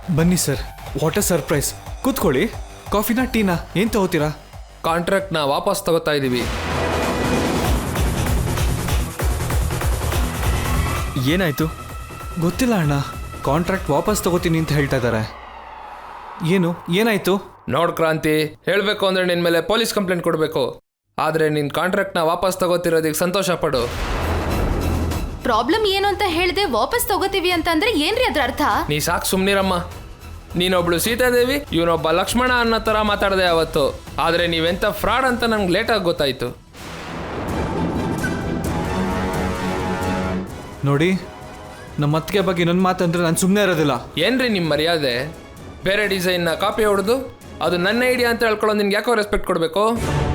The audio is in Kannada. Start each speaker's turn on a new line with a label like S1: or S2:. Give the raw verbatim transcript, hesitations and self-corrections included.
S1: ಬನ್ನಿ ಸರ್, ವಾಟ್ ಅ ಸರ್ಪ್ರೈಸ್. ಕೂತ್ಕೊಳ್ಳಿ. ಕಾಫಿನಾ ಟೀನಾ ಏನು ತಗೋತೀರಾ?
S2: ಕಾಂಟ್ರಾಕ್ಟ್ನ ವಾಪಸ್ ತಗೋತಾ ಇದ್ದೀವಿ.
S3: ಏನಾಯ್ತು?
S1: ಗೊತ್ತಿಲ್ಲ ಅಣ್ಣ, ಕಾಂಟ್ರಾಕ್ಟ್ ವಾಪಸ್ ತಗೋತೀನಿ ಅಂತ ಹೇಳ್ತಾ ಇದ್ದಾರೆ. ಏನು ಏನಾಯ್ತು?
S2: ನೋಡ್ ಕ್ರಾಂತಿ, ಹೇಳಬೇಕು ಅಂದರೆ ನಿನ್ನ ಮೇಲೆ ಪೊಲೀಸ್ ಕಂಪ್ಲೇಂಟ್ ಕೊಡಬೇಕು. ಆದರೆ ನಿನ್ನ ಕಾಂಟ್ರಾಕ್ಟ್ನ ವಾಪಸ್ ತಗೋತಿರೋದಕ್ಕೆ ಸಂತೋಷ ಪಡು.
S4: ಪ್ರಾಬ್ಲಮ್ ಏನು ಅಂತ ಹೇಳಿದೆ ವಾಪಸ್ ತಗೋತೀವಿ ಅಂತಂದ್ರೆ ಏನ್ರಿ ಅದ್ರ ಅರ್ಥ?
S2: ನೀ ಸಾಕು ಸುಮ್ಮನಿರಮ್ಮ. ನೀನೊಬ್ಳು ಸೀತಾದೇವಿ, ಇವನೊಬ್ಬ ಲಕ್ಷ್ಮಣ ಅನ್ನೋ ಥರ ಮಾತಾಡಿದೆ ಅವತ್ತು. ಆದರೆ ನೀವೆಂಥ ಫ್ರಾಡ್ ಅಂತ ನಂಗೆ ಲೇಟಾಗಿ ಗೊತ್ತಾಯಿತು.
S1: ನೋಡಿ, ನಮ್ಮ ಅತ್ತಿಗೆ ಬಗ್ಗೆ ನನ್ನ ಮಾತಂದ್ರೆ ನಾನು ಸುಮ್ಮನೆ ಇರೋದಿಲ್ಲ.
S2: ಏನ್ರಿ ನಿಮ್ಮ ಮರ್ಯಾದೆ? ಬೇರೆ ಡಿಸೈನ್ನ ಕಾಪಿ ಹೊಡೆದು ಅದು ನನ್ನ ಐಡಿಯಾ ಅಂತ ಹೇಳ್ಕೊಳ್ಳೋ ನಿನ್ಗೆ ಯಾಕೋ ರೆಸ್ಪೆಕ್ಟ್ ಕೊಡಬೇಕು?